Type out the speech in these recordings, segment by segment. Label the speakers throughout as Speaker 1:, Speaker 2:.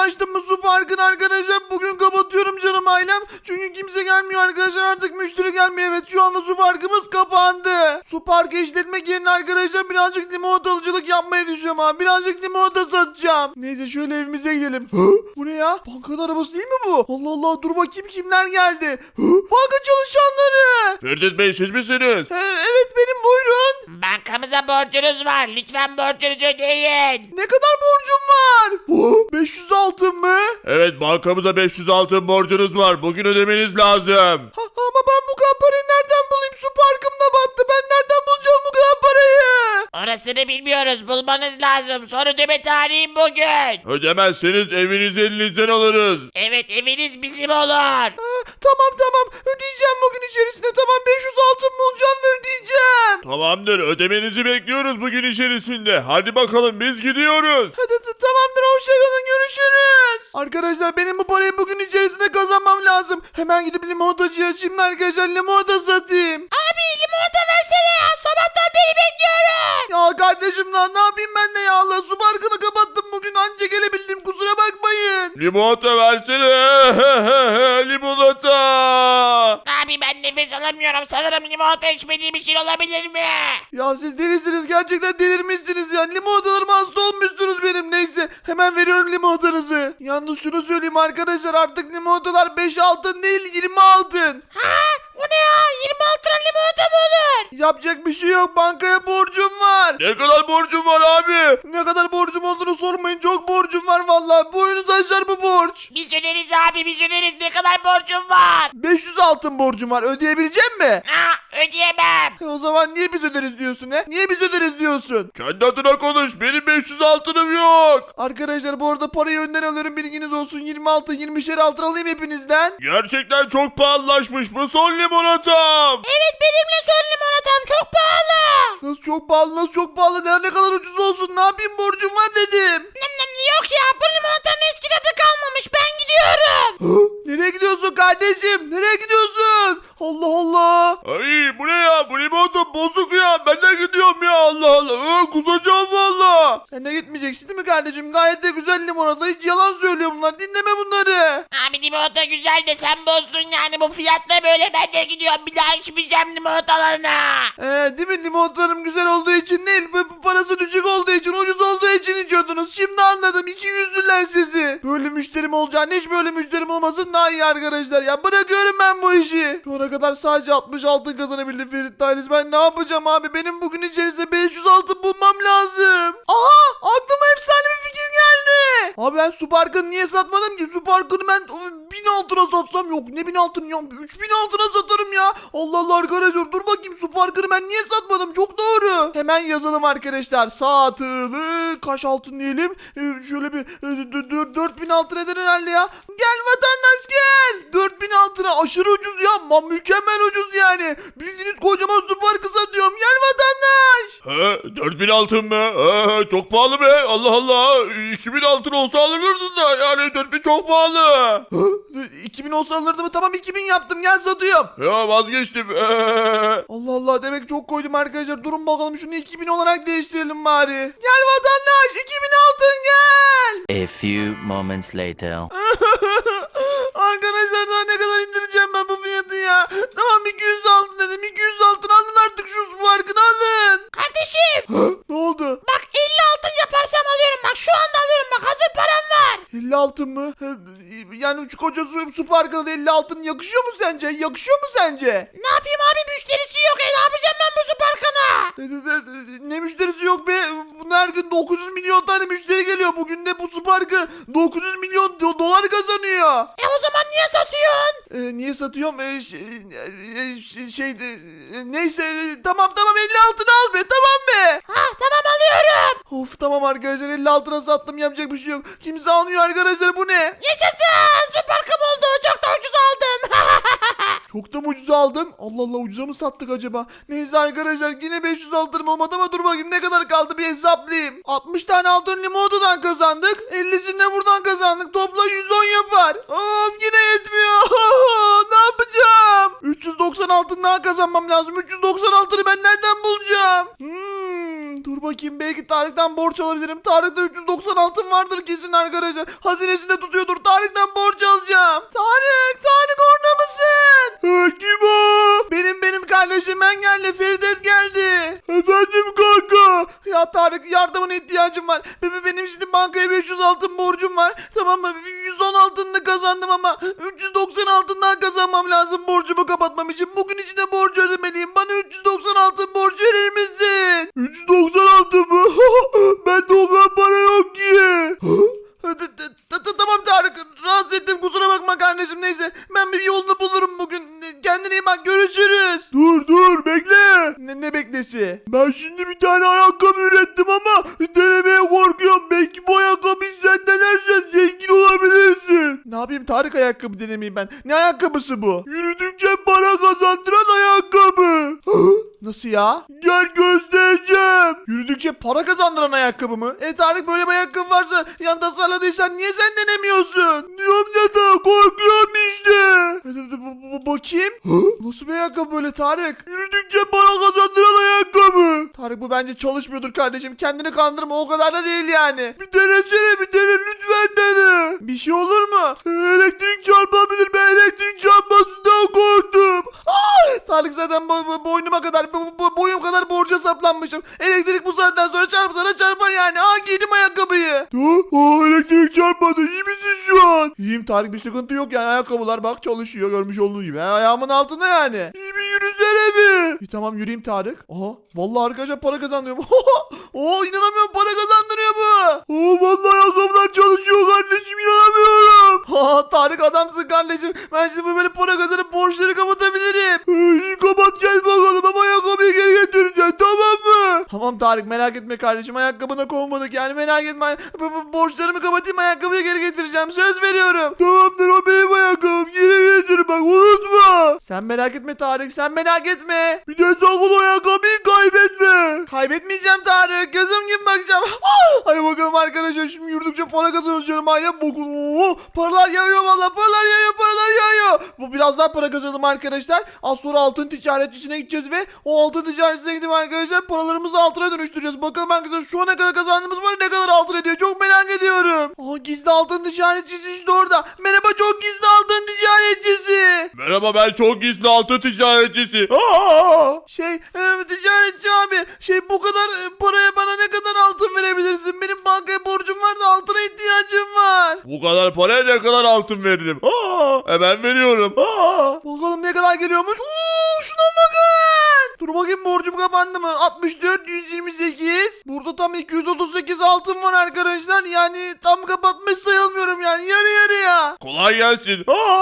Speaker 1: açtım bu su parkını arkadaşlar. Bugün kapatıyorum canım ailem. Çünkü kimse gelmiyor arkadaşlar. Artık müşteri gelmiyor. Evet şu anda su parkımız kapandı. Su parkı işletmek yerine arkadaşlar birazcık limonatalıcılık yapmayı düşünüyorum abi. Birazcık limonata satacağım. Neyse şöyle evimize gidelim. Bu ne ya? Bankanın arabası değil mi bu? Allah Allah, dur bakayım kimler geldi. Banka çalışanları.
Speaker 2: Ferdi Bey siz misiniz?
Speaker 1: Evet benim, buyurun.
Speaker 3: Bankamıza borcunuz var. Lütfen borcunuzu ödeyin.
Speaker 1: Ne kadar borcum var? 500 altın mı?
Speaker 2: Evet, bankamıza 500 altın borcunuz var. Bugün ödemeniz lazım.
Speaker 1: Ama ben bu kadar parayı nereden bulayım? Su parkım da battı. Ben nereden bulacağım bu kadar parayı?
Speaker 3: Orasını bilmiyoruz. Bulmanız lazım. Son ödeme tarihim bugün.
Speaker 2: Ödemezseniz evinizi elinizden alırız.
Speaker 3: Evet, eviniz bizim olur.
Speaker 1: Tamam ödeyeceğim bugün içerisinde. Tamam 500 altın bulacağım ve ödeyeceğim.
Speaker 2: Tamamdır, ödemenizi bekliyoruz bugün içerisinde. Hadi bakalım biz gidiyoruz.
Speaker 1: Tamamdır, hoşçakalın, görüşürüz. Arkadaşlar benim bu parayı bugün içerisinde kazanmam lazım. Hemen gidip limonatacıya açayım da arkadaşlar limonata satayım.
Speaker 3: Abi limonata versene ya. Sabahtan beri bekliyorum.
Speaker 1: Ya kardeşim lan ne yapayım ben de ya, Allah su parkını kapattım bugün, anca gelebildim, kusura bakmayın.
Speaker 2: Limonata versene. Limonata.
Speaker 3: Abi ben nefes alamıyorum. Sanırım limonata içmediğim için olabilir mi?
Speaker 1: Ya siz delisiniz, gerçekten delirmişsiniz ya. Limonatalarıma hasta olmuşsunuz benim. Neyse hemen veriyorum limonatanızı. Yalnız şunu söyleyeyim arkadaşlar, artık limonatalar 5 altın değil 20 altın.
Speaker 3: Ha? O ne ya? 26 lira limonata mı olur?
Speaker 1: Yapacak bir şey yok, bankaya borcum var.
Speaker 2: Ne kadar borcum var abi?
Speaker 1: Ne kadar borcum olduğunu sormayın, çok borcum var vallahi. Boyunuz aşar bu borç.
Speaker 3: Biz öderiz abi, biz öderiz. Ne kadar borcum var?
Speaker 1: 500 altın borcum var, ödeyebilecek mi?
Speaker 3: Ha, ödeyemem.
Speaker 1: O zaman niye biz öderiz diyorsun he? Niye biz öderiz diyorsun?
Speaker 2: Kendi adına konuş. Benim 500 altınım yok.
Speaker 1: Arkadaşlar bu arada parayı önden alıyorum, bilginiz olsun. 26 20'şer altın alayım hepinizden.
Speaker 2: Gerçekten çok pahalılaşmış bu son limonatam.
Speaker 3: Evet, benimle son limonatam çok pahalı.
Speaker 1: Nasıl çok pahalı, nasıl çok pahalı, ne kadar ucuz olsun, ne yapayım, borcum var dedim.
Speaker 3: Yok ya, bu limonatanın eski tadı kalmamış. Ben gidiyorum.
Speaker 1: Nereye gidiyorsun kardeşim, nereye gidiyorsun? Allah Allah.
Speaker 2: Ay bu ne ya? Bu limonata bozuk ya. Ben de gidiyorum ya, Allah Allah. Kusacağım valla.
Speaker 1: Sen de gitmeyeceksin değil mi kardeşim? Gayet de güzel limonata, hiç yalan söylüyor bunlar, dinleme bunları.
Speaker 3: Abi limonata güzel de sen bozdun yani, bu fiyatla böyle ben de gidiyorum. Bir daha içmeyeceğim limonatalarına.
Speaker 1: Değil mi, limonatalarım güzel olduğu için değil, bu parası düşük olduğu için, ucuz olduğu için içiyordunuz. Şimdi anladım, 200'lüler sizi. Böyle müşterim olacağını, hiç böyle müşterim olmasın daha iyi arkadaşlar ya. Bırakıyorum ben bu işi. Şu ana kadar sadece 60 altın kazanabildim Ferit Dailis. Ben ne yapacağım abi? Benim bugün içerisinde 500 altın bulmam lazım. Aha, aklıma efsane bir fikir geldi. Abi ben su parkını niye satmadım ki? Su parkını ben 1000 altına satsam, yok ne 1000 altın ya, 3000 altına satarım ya. Allah Allah arkadaşlar, dur bakayım, su parkını ben niye satmadım? Çok doğru. Hemen yazalım arkadaşlar. Satılı kaç altın diyelim? Şöyle bir 4000 altın eder herhalde ya. Gel vatandaş gel. 4000 altına aşırı ucuz ya. Mükemmel ucuz yani. Bildiğiniz kocaman su parkı satıyorum. Gel vatandaş.
Speaker 2: 4000 altın mı? Çok pahalı be. Allah Allah. 2000 altın olsa alırdın da. Yani 4000 çok pahalı.
Speaker 1: 2000 olsa alırdı mı? Tamam 2000 yaptım, gel satıyorum.
Speaker 2: Ya vazgeçtim.
Speaker 1: Allah Allah, demek çok koydum arkadaşlar. Durun bakalım, şunu 2000 olarak değiştirelim bari. Gel vatandaş, 2000 altın gel.
Speaker 4: A few moments later.
Speaker 1: Arkadaşlar daha ne kadar indireceğim ben bu fiyatı ya. Tamam 200 altın dedim, 200 altın alın artık, şu parkını alın.
Speaker 3: Kardeşim
Speaker 1: Ne oldu?
Speaker 3: bak, 50 altın yaparsam alıyorum, bak şu anda alıyorum, bak hazır param var.
Speaker 1: 50 altın mı? Yani şu koca su parkına da 50 altın yakışıyor mu sence? Yakışıyor mu sence?
Speaker 3: Ne yapayım abi, müşterisi yok, ne yapacağım ben bu su parkına?
Speaker 1: Ne müşterisi yok be? Her gün 900 milyon tane müşteri geliyor. Bugün de bu su parkı 900 milyon dolar kazanıyor.
Speaker 3: O zaman niye satıyorsun?
Speaker 1: Niye satıyorum? Neyse tamam 50 altın al be, tamam be.
Speaker 3: Ha tamam, alıyorum.
Speaker 1: Of tamam arkadaşlar, 50 altına sattım, yapacak bir şey yok. Kimse almıyor arkadaşlar, bu ne?
Speaker 3: Yaşasın, su parkım oldu, çok da ucuz aldım.
Speaker 1: Çok da mı ucuz aldın? Allah Allah, ucuza mı sattık acaba? Neyse arkadaşlar, yine 500 altınım olmadı ama dur bakayım ne kadar kaldı, bir hesaplayayım. 60 tane altın limonatadan kazandık. 50'sini de buradan kazandık. Topla 110 yapar. Of yine yetmiyor. Ne yapacağım? 390 altın daha kazanmam lazım. 390 altını ben nereden bulacağım? Dur bakayım, belki Tarık'tan borç alabilirim. Tarık'ta 390 altın vardır kesin arkadaşlar. Hazinesinde tutuyordur. Tarık'tan borç alacağım. Tarık orada mısın? Kim o? Benim kardeşim, ben geldi. Feridet geldi. Efendim kanka. Ya Tarık, yardımına ihtiyacım var. Benim şimdi bankaya 500 altın borcum var. Tamam mı? 110 altınını kazandım ama 390 altından kazanmam lazım borcumu kapatmam için. Bugün içinde borcu ödemeliyim. Bana 390 altın borç verir misin? 390 altın mı? Bende o kadar para yok ki. Tamam Tarık, rahatsız ettim, kusura bakma kardeşim. Neyse, ben bir yolunu bulurum bugün. Kendine iyi bak, görüşürüz. Dur bekle. Ne beklesi? Ben şimdi bir tane ayakkabı ürettim ama denemeye korkuyorum. Belki bu ayakkabıyı sen denersen zengin olabilirsin. Ne yapayım Tarık, ayakkabı denemeyeyim ben. Ne ayakkabısı bu? Yürüdükçe para kazandıran ayakkabı. Nasıl ya? Gel göstereceğim. Yürüdükçe para kazandıran ayakkabı mı? Tarık, böyle bir ayakkabı varsa yan tasarladıysan niye sen denemiyorsun? Diyorum ya da korkuyorum işte. Bakayım. Nasıl bir ayakkabı böyle Tarık? Yürüdükçe para kazandıran ayakkabı. Tarık, bu bence çalışmıyordur kardeşim. Kendini kandırma, o kadar da değil yani. Bir denesene, bir dene lütfen, dene. Bir şey olur mu? Elektrik çarpabilir, ben elektrik çarpmasından korktum. Tarık, zaten boynuma kadar, boyum kadar borca saplanmışım. Elektrik bu saatten sonra çarpsana çarpar yani. Giydim ayakkabıyı. Elektrik çarpmadı. İyi misin şu an? İyiyim Tarık, bir sıkıntı yok yani. Ayakkabılar bak çalışıyor, görmüş olduğunuz gibi. Ayağımın altında yani. İyi bir yürüsene bir. Tamam, yürüyeyim Tarık. Vallahi arkadaşlar para kazanıyorum. İnanamıyorum, para kazandırıyor bu. Vallahi ayakkabılar çalışıyor kardeşim, inanamıyorum. Tarık, adamsın kardeşim. Ben şimdi böyle para kazanıp borçları kapatabilirim. İyi, kapat, gel bakalım ama ayakkabıyı geri getireceksin, tamam mı? Tamam Tarık, merak etme kardeşim, ayakkabına kovmadık yani, merak etme. Borçlarımı kapatayım, ayakkabıyı geri getireceğim, söz veriyorum. Tamamdır, o benim ayakkabım, geri getir bak, unutma. Sen merak etme Tarık, sen merak etme. Bir de sakın o ayakkabıyı kaybetme. Kaybetmeyeceğim Tarık, gözüm gibi bakacağım. Hadi bakalım arkadaşlar, şimdi yürüdükçe para kazanıyoruz canım ailem, bakın. Paralar yağıyor vallahi, paralar yağıyor. Bu biraz daha para kazanalım arkadaşlar. Az sonra altın ticaretçisine gideceğiz ve o altın ticaretçisine gidip arkadaşlar paralarımızı altına dönüştüreceğiz. Bakalım arkadaşlar, şu ana kadar kazandığımız para ne kadar altın ediyor, çok merak ediyorum. Gizli altın ticaretçisi işte orada. Merhaba, çok gizli altın ticaretçisi.
Speaker 2: Merhaba, ben çok gizli altın ticaretçisi.
Speaker 1: Ticaretçi abi, bu kadar paraya bana ne kadar altın verebilirsin? Benim bankaya borcum var da altına ihtiyacım var.
Speaker 2: Bu kadar paraya ne kadar altın veririm? Hemen veriyorum.
Speaker 1: Bakalım ne kadar geliyormuş. Şuna bakın. Dur bakayım, borcum kapandı mı? 64, 128. Burada tam 238 altın var arkadaşlar. Yani tam kapatmış sayılmıyorum yani. Yarı yarıya.
Speaker 2: Kolay gelsin.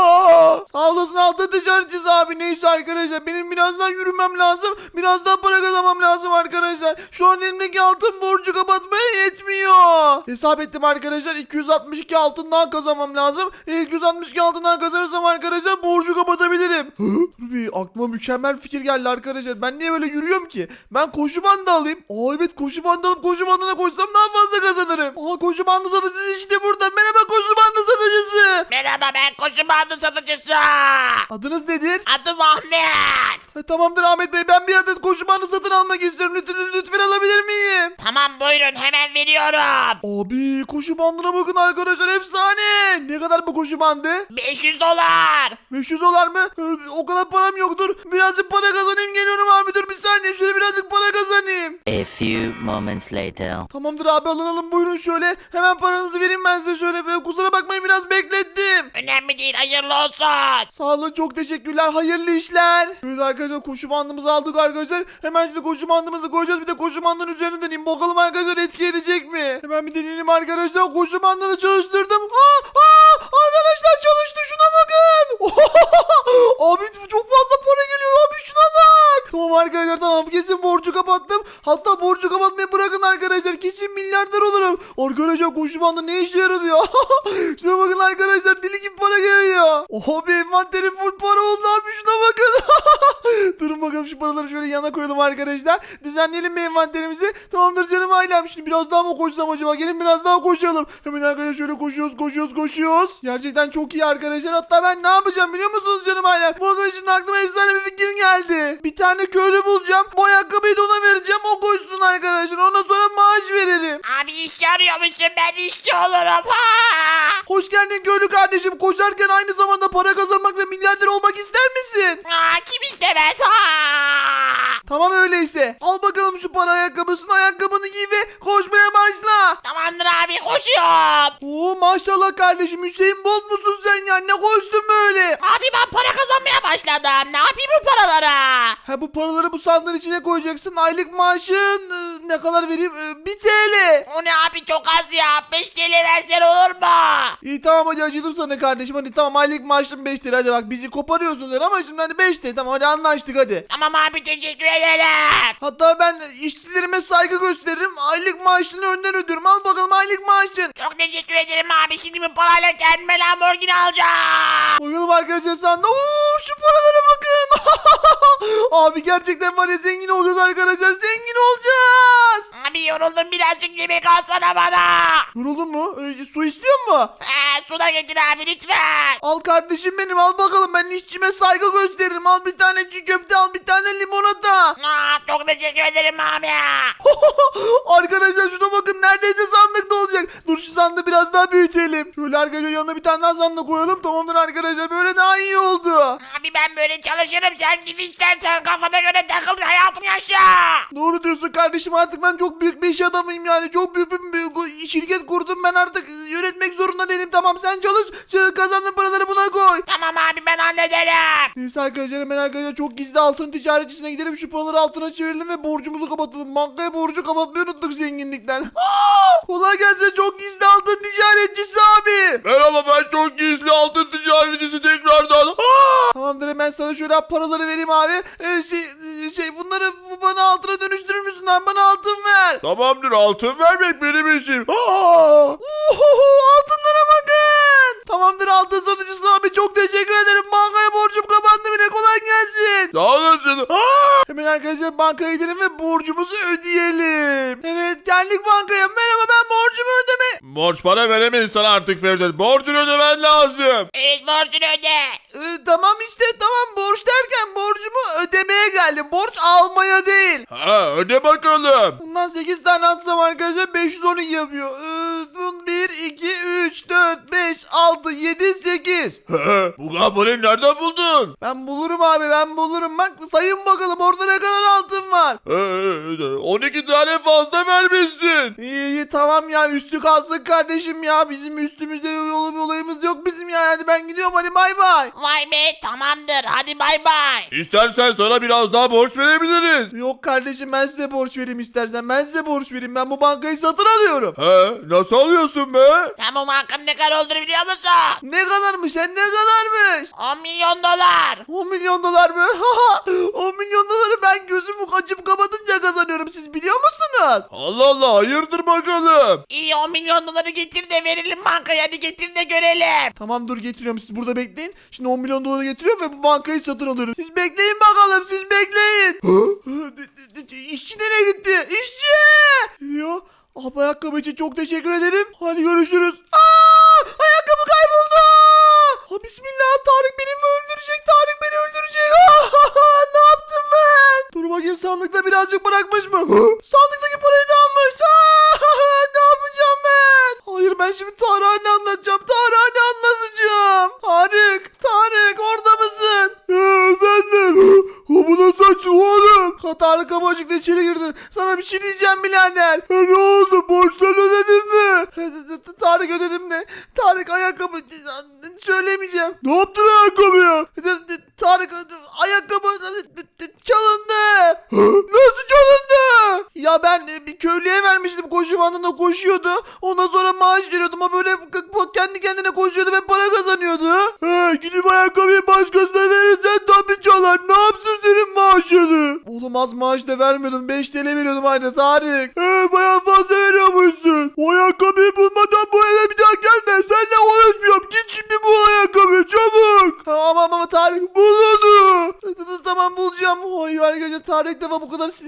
Speaker 1: Sağ olasın altın ticaretçisi abi. Neyse arkadaşlar, benim biraz daha yürümem lazım. Biraz daha para kazanmam lazım arkadaşlar. Şu an elimdeki altın borcu kapatmaya yetmiyor. Hesap ettim arkadaşlar. 262 altından kazanmam lazım. 262 altından kazanırsam arkadaşlar borcu kapatabilirim. Dur bir, aklıma mükemmel fikir geldi arkadaşlar. Ben niye böyle yürüyorum ki? Ben koşu bandı alayım. Evet, koşu bandı alıp koşu bandına koşsam daha fazla kazanırım. Koşu bandı satıcısı işte burada. Merhaba koşu bandı satıcısı.
Speaker 3: Merhaba, ben koşu bandı satıcısı.
Speaker 1: Adınız nedir?
Speaker 3: Adım Ahmet.
Speaker 1: Tamamdır Ahmet Bey, ben bir adet koşu bandı satın almak istiyorum. Lütfen alabilir miyim?
Speaker 3: Tamam, buyurun, hemen veriyorum.
Speaker 1: Abi, koşu bandına bakın arkadaşlar, efsane. Ne kadar bu koşu bandı?
Speaker 3: 500 dolar.
Speaker 1: 500 dolar mı? O kadar param yoktur. Birazcık para kazanayım, geliyorum abi, dur bir saniye, şöyle birazcık para kazanayım.
Speaker 4: A few moments later.
Speaker 1: Tamamdır abi, alın buyurun şöyle. Hemen paranızı vereyim ben size şöyle. Kusura bakmayın, biraz beklettim.
Speaker 3: Önemli değil, hayırlı olsun.
Speaker 1: Sağ olun, çok teşekkürler, hayırlı işler. Evet arkadaşlar, koşu bandımızı aldık arkadaşlar. Hemen şimdi koşu bandımızı koyacağız, bir de koşu bandının üzerine deneyeyim. Bakalım arkadaşlar etki edecek mi? Hemen bir deneyelim arkadaşlar, koşu bandını çalıştırdım. Arkadaşlar çalıştı, şuna bakın. Abi çok fazla para geliyor abi, şuna bak. Tamam arkadaşlar, tamam, kesin borcu kapattım. Hatta borcu kapatmayı bırakın arkadaşlar, kesin milyarder olurum. Arkadaşlar, koşu bandı ne işe yaradı ya? Şuna bakın arkadaşlar, deli gibi para geliyor. Abi envanterim full para oldu abi, şuna bakın. Durun bakalım, şu paraları şöyle yana koyalım arkadaşlar. Düzenleyelim bir envanterimizi. Tamamdır canım ailem. Şimdi biraz daha mı koşsam acaba? Gelin biraz daha koşalım. Hemen arkadaşlar şöyle koşuyoruz. Gerçekten çok iyi arkadaşlar. Hatta ben ne yapacağım biliyor musunuz canım ailem? Bu arkadaşın aklıma efsane bir fikir geldi. Bir tane köy köylü bulacağım. Bu ayakkabıyı da ona vereceğim. O koysun arkadaşlar. Ondan sonra maaş veririm.
Speaker 3: Abi işçi arıyor musun? Ben işçi olurum. Ha!
Speaker 1: Hoş geldin köylü kardeşim. Koşarken aynı zamanda para kazanmak ve milyarder olmak ister misin?
Speaker 3: Aa, kim istemez? Ha!
Speaker 1: Tamam öyleyse. Al bakalım şu para ayakkabısını. Ayakkabını giy ve koşmaya başla.
Speaker 3: Tamamdır abi, koşuyorum.
Speaker 1: Oo maşallah kardeşim. Hüseyin Bolt musun sen ya? Ne koştun böyle?
Speaker 3: Abi ben para kazanmaya başladım. Ne yapayım bu paralara?
Speaker 1: Ha bu paraları bu sandığın içine koyacaksın. Aylık maaşın ne kadar vereyim? 1 TL.
Speaker 3: O ne abi, çok az ya. 5 TL versen olur mu?
Speaker 1: İyi tamam hadi acıdım sana kardeşim. Hadi tamam aylık maaşın 5 TL. Hadi bak bizi koparıyorsun sen ama şimdi hani 5 TL. Tamam hadi anlaştık hadi.
Speaker 3: Tamam abi, teşekkür ederim.
Speaker 1: Hatta ben işçilerime saygı gösteririm. Aylık maaşını önden ödüyorum. Al bakalım aylık maaşın.
Speaker 3: Çok teşekkür ederim abi. Şimdi bu parayla kendime Lamborghini alacağım.
Speaker 1: Koyalım arkadaşlar sanda. Oo şu paralara bakın. Abi gerçekten var ya zengin olacağız arkadaşlar. Zengin olacağız.
Speaker 3: Abi yoruldum, birazcık yemek alsana bana.
Speaker 1: Yoruldun mu? Su istiyor mu?
Speaker 3: Su da getir abi lütfen.
Speaker 1: Al kardeşim benim al bakalım. Ben işçime saygı gösteririm. Al bir tane çiğ köfte al bir tane limonata.
Speaker 3: Çok teşekkür ederim abi.
Speaker 1: Arkadaşlar şuna bakın neredeyse sandıkta olacak. Dur şu sandığı biraz daha büyütelim. Şöyle arkadaşlar yanına bir tane daha sandık koyalım. Tamamdır arkadaşlar böyle daha iyi oldu.
Speaker 3: Abi ben böyle çalışırım, sen git istersen kafana göre takıl, hayatını yaşa.
Speaker 1: Doğru diyorsun kardeşim artık ben çok büyük bir iş adamıyım yani. Çok büyük bir şirket kurdum ben artık yönetmek zorunda değilim. Tamam sen çalış kazandığın paraları buna koy.
Speaker 3: Tamam abi, ben hallederim.
Speaker 1: Neyse arkadaşlar hemen arkadaşlar çok gizli altın ticaretçisine gidelim. Şu paraları altına çevirelim ve borcumuzu kapatalım. Bankaya borcu kapatmayı unuttuk zenginlikten. Kolay gelsin çok gizli altın ticaretçisi abi.
Speaker 2: Merhaba, ben çok gizli altın ticaretçisi tekrardan.
Speaker 1: Tamamdır hemen sana şöyle paraları vereyim abi. Bunları bana altına dönüştürür müsün lan? Bana altın ver.
Speaker 2: Tamamdır, altın vermek benim işim.
Speaker 1: Altınlara bakın. Tamamdır altın satıcısı abi çok teşekkür ederim. Bankaya borcum kapandı bile kolay gelsin.
Speaker 2: Sağ olasın.
Speaker 1: Hemen arkadaşlar bankaya gidelim ve borcumuzu ödeyelim. Evet geldik bankaya. Merhaba ben borcumu ödeme.
Speaker 2: Borç para veremeyiz sana artık Feride. Borcunu ödemen lazım.
Speaker 3: Evet, borcunu öde.
Speaker 1: Tamam işte tamam borç derken borcumu ödemeye geldim. Borç almaya değil.
Speaker 2: Ha, öde bakalım.
Speaker 1: Bundan 8 tane atsam arkadaşlar 512 yapıyor. 1, 2, 3, 4, 5, 6, 7, 8.
Speaker 2: Bu kapıyı nereden buldun?
Speaker 1: Ben bulurum abi ben bulurum. Bak sayın bakalım orada ne kadar altın var.
Speaker 2: 12 tane fazla vermişsin.
Speaker 1: İyi tamam ya üstü kalsın kardeşim ya. Bizim üstümüzde yolu bir olayımız yok bizim ya. Hadi ben gidiyorum hadi bay bay.
Speaker 3: Vay be, tamamdır, hadi bay bay.
Speaker 2: İstersen sana biraz daha borç verebiliriz.
Speaker 1: Yok kardeşim ben size borç vereyim istersen. Ben size borç vereyim. Ben bu bankayı satın alıyorum.
Speaker 2: Nasıl alıyorsun be?
Speaker 3: Sen bu bankanın ne kadar olduğunu biliyor musun?
Speaker 1: Ne kadarmış sen ne kadarmış?
Speaker 3: 10 milyon dolar.
Speaker 1: 10 milyon dolar mı? 10 milyon doları ben gözümü açıp kapatınca kazanıyorum. Siz biliyor musunuz?
Speaker 2: Allah Allah, hayırdır bakalım.
Speaker 3: İyi, 10 milyon doları getir de verelim bankaya, hadi getir de görelim.
Speaker 1: Tamam dur getiriyorum siz burada bekleyin. Şimdi 10 milyon doları getiriyorum ve bu bankayı satın alıyorum. Siz bekleyin bakalım siz bekleyin. İşçi nereye gitti? İşçi! Diyor. Abi ayakkabı için çok teşekkür ederim. Hadi görüşürüz. Ayakkabı kayboldu. Bismillah Tarık beni mi öldürecek? Tarık beni öldürecek. Ne yaptım ben? Dur bakayım sandıkta birazcık bırakmış mı? Sandıktaki parayı da almış. Ne yapacağım ben? Hayır ben şimdi Tarık'a ne anlatacağım? Tarık'a ne anlatacağım? Tarık orada mısın? Efendim? Bu nasıl açık oğlum? Tarık kapıcıkla içeri girdi. Sana bir şey diyeceğim birader. Ne oldu? Borçları ödedin mi? Tarık ödedim de. Tarık ayakkabı söylemeyeceğim. Ne yaptın ayakkabıya? Tarık ayakkabı çalındı. Nasıl çalındı? Ya ben bir köylüye vermiştim koşu bandında koşuyordu. Ondan sonra maaş veriyordum ama böyle kendi kendine koşuyordu ve para kazanıyordu. Gidip ayakkabıyı başkasına verirsen tabii çalar. Ne yapsın senin maaşını? Oğlum az maaş da vermiyordum. 5 TL veriyordum aynı Tarık. Bayağı fazla veriyormuşsun. O ayakkabıyı bulmadan bu eve bir daha gelme. Seninle uğraşmıyorum. Git şimdi bu ayakkabıyı çabuk. Ama Tarık bul onu. Tamam bulacağım. Oy arkadaşlar Tarık ilk defa bu kadar sinirli gördüm.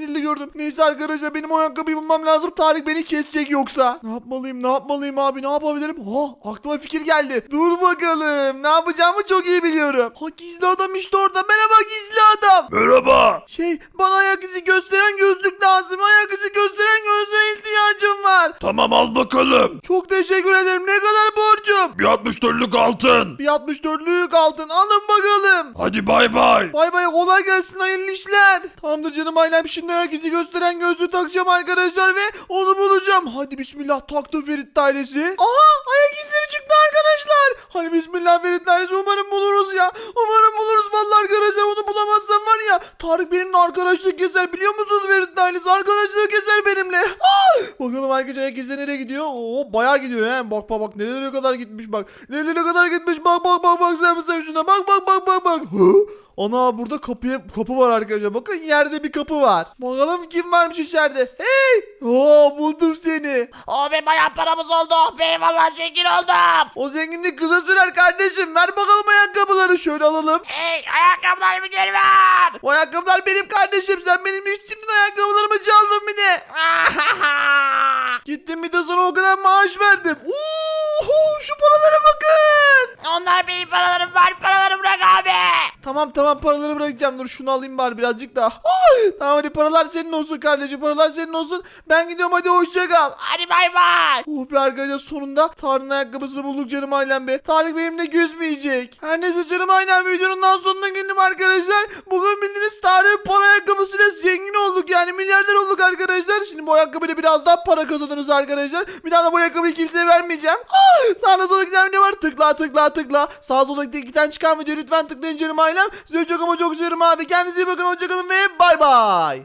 Speaker 1: biliyordum. Neyse arkadaşlar benim o ayakkabıyı bulmam lazım. Tarık beni kesecek yoksa. Ne yapmalıyım abi, ne yapabilirim? Aklıma fikir geldi. Dur bakalım, ne yapacağımı çok iyi biliyorum. Gizli adam işte orada. Merhaba gizli adam.
Speaker 2: Merhaba.
Speaker 1: Bana ayak izi gösteren gözlük lazım. Ayak izi gösteren gözlüğe ihtiyacım var.
Speaker 2: Tamam al bakalım.
Speaker 1: Çok teşekkür ederim. Ne kadar borcum?
Speaker 2: Bir 64'lük altın.
Speaker 1: Bir 64'lük altın. Alın bakalım.
Speaker 2: Hadi bay bay.
Speaker 1: Bay bay, kolay gelsin, hayırlı işler. Tamamdır canım ailem, şimdi ayak izi gösteren gözlüğü takacağım arkadaşlar ve onu bulacağım. Hadi bismillah, taktım Ferit ailesi. Aha, ayak izleri çıktı arkadaşlar. Hadi bismillah Ferit ailesi, umarım buluruz ya. Umarım buluruz vallahi arkadaşlar, onu bulamazsam var ya. Tarık benimle arkadaşlık keser, biliyor musunuz Ferit ailesi? Arkadaşlık keser benimle. Bakalım arkadaşlar ayak izleri nereye gidiyor? Bayağı gidiyor he. Bak nereye kadar gitmiş bak. Nereye kadar gitmiş bak sen şuna bak. Ana, burada kapı var arkadaşlar. Bakın yerde bir kapı var. Bakalım kim varmış içeride. Hey! Buldum seni.
Speaker 3: Be bayağı paramız oldu. Be vallahi zengin oldum.
Speaker 1: O zenginlik kısa sürer kardeşim. Ver bakalım ayakkabıları, şöyle alalım.
Speaker 3: Hey ayakkabılarımı geri ver.
Speaker 1: O ayakkabılar benim kardeşim. Sen benim işçimden ayakkabılarımı çaldın bir de. Gittim bir de sana o kadar maaş verdim. Şu paralara bakın.
Speaker 3: Onlar benim paralarım var. Paralarımı bırak abi.
Speaker 1: Tamam paraları bırakacağım. Dur şunu alayım bari birazcık daha. Tamam hadi, paralar senin olsun kardeşim. Paralar senin olsun. Ben gidiyorum, hadi hoşça kal.
Speaker 3: Hadi bay bay.
Speaker 1: Be arkadaşlar, sonunda Tarık'ın ayakkabısını bulduk canım ailem be. Tarık benimle küsmeyecek. Her neyse canım ailem, videonun daha sonuna geldim arkadaşlar. Bugün bildiğiniz Tarık'ın para ayakkabısıyla zengin olduk, yani milyarder olduk arkadaşlar. Şimdi bu ayakkabıyla biraz daha para kazanırız arkadaşlar. Bir daha da bu ayakkabıyı kimseye vermeyeceğim. Sağda solda giden video var. Tıkla. Sağ solda giden çıkan video lütfen tıklayın canım ailem. Sizi çok ama çok seviyorum abi. Kendinize iyi bakın, hoşçakalın ve bay bay.